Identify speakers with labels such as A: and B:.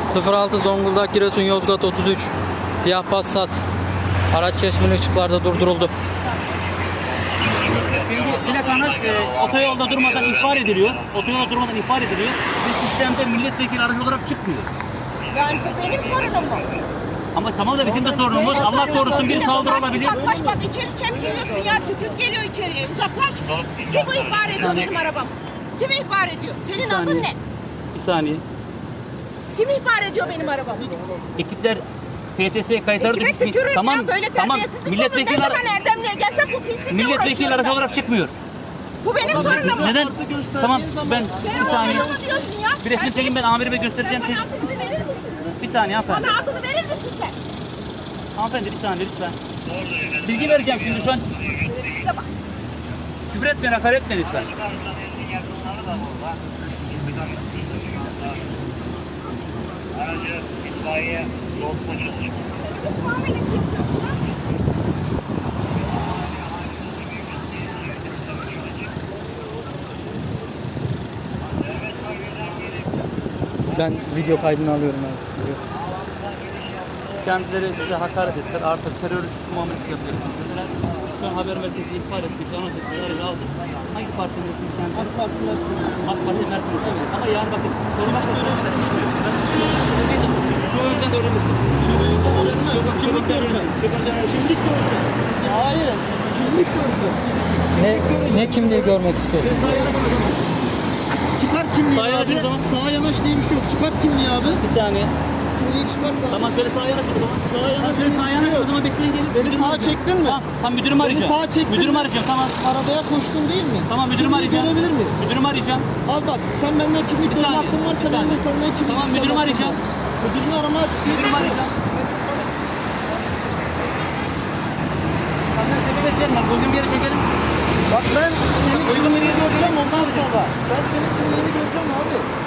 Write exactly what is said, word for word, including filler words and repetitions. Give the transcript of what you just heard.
A: sıfır altı Zonguldak Giresun Yozgat otuz üç siyah Passat araç çeşmeli ışıklarda durduruldu.
B: Şimdi plakanız e, otoyolda durmadan ihbar ediliyor. Otoyolda durmadan ihbar ediliyor. Ve sistemde milletvekili aracı olarak çıkmıyor.
C: Yani bu benim sorunum mu?
B: Ama tamam da bizim de sorunumuz. Allah korusun bir saldırı olabilir.
C: Uzaklaş bak, içeri çemkiriyorsun ya, tükürük geliyor içeriye, uzaklaş. Kim bu ihbar ediyor benim arabam? Kim ihbar ediyor? Senin adın ne?
B: Bir saniye.
C: Kim ihbar ediyor benim arabamı?
B: Ekipler P T S kayıtları
C: Kime
B: düşmüş.
C: tükürürüm
B: Tamam,
C: ya, böyle
B: tamam.
C: terbiyesizlik olur. Ne
B: Milletvekili,
C: zaman Erdemli'ye gelsem bu pislikle
B: milletvekili
C: uğraşıyorum
B: aracı
C: ben.
B: olarak çıkmıyor.
C: Bu benim sorunum mu?
B: Neden? Tamam ben
C: Sen
B: bir saniye.
C: bana mı diyorsun ya?
B: Bir resmi çekin, ben amirime göstereceğim.
C: Sen bana adını verir misin?
B: Bir saniye hanımefendi.
C: Bana adını verir misin sen?
B: Hanımefendi bir saniye lütfen. Bilgi vereceğim şimdi şu an.
C: Size bak.
B: Küfür etmeyin, hakaret etmeyin lütfen.
D: Aracı itfaiye yol polisi.
C: Muamele yapıyorsun ha?
A: Ben video kaydını alıyorum abi.
B: Kendileri bize hakaret ettiler. Artık terörist muamelesi yapacaksınız dediler. Şu an haber merkezi ihbar ettik. Anons ettik. Aracı aldık. Hangi parti mensubuyuz kendisi? AK Parti mensubuyuz. AK Parti mensubuyuz. Evet. Ama yani bakın sormak da şu yüzden öğrenirsin. Şu yüzden öğrenmez. Şu yüzden öğrenmez. Kimlik görsün.
E: Hayır. Kimlik görsün.
A: Ne, ne kimliği görmek istiyorsun?
E: Çıkar kimliği
B: Sağa yanaş
E: abi.
B: o zaman.
E: Sağa yanaş diye bir şey yok. Çıkart kimliği abi.
B: Bir saniye.
E: Kimliği çıkart abi.
B: Tamam şöyle sağa yanaş o zaman.
E: Sağa yanaş
B: Şöyle
E: diye
B: sağa
E: bir şey
B: yanaş o
E: yok.
B: zaman bekleyin gelin.
E: Beni
B: Müdürümü
E: sağa
B: arayacağım.
E: çektin mi?
B: Tamam, tamam müdürümü
E: Beni
B: arayacağım.
E: sağa çektin
B: Müdürümü
E: mi?
B: arayacağım tamam.
E: Arabaya koştun değil mi?
B: Tamam müdürümü
E: Kimliği
B: arayacağım.
E: görebilir miyim?
B: Müdürümü arayacağım.
E: Abi bak sen benden kimlik
B: Bir
E: sorma
B: saniye,
E: hakkın varsa
B: bir
E: ben de
B: saniye.
E: senden kimlik
B: Tamam,
E: sorma
B: müdürümü
E: hakkım
B: arayacağım.
E: var. Müdürünü arama.
B: Müdürümü arayacağım. Sana sebep verme. Bugün bir yere çekelim.
E: Bak ben senin
B: Uygun bir
E: kimliğini
B: yere
E: göreceğim
B: çekelim.
E: ondan sonra. Ben senin kimliğini göreceğim abi.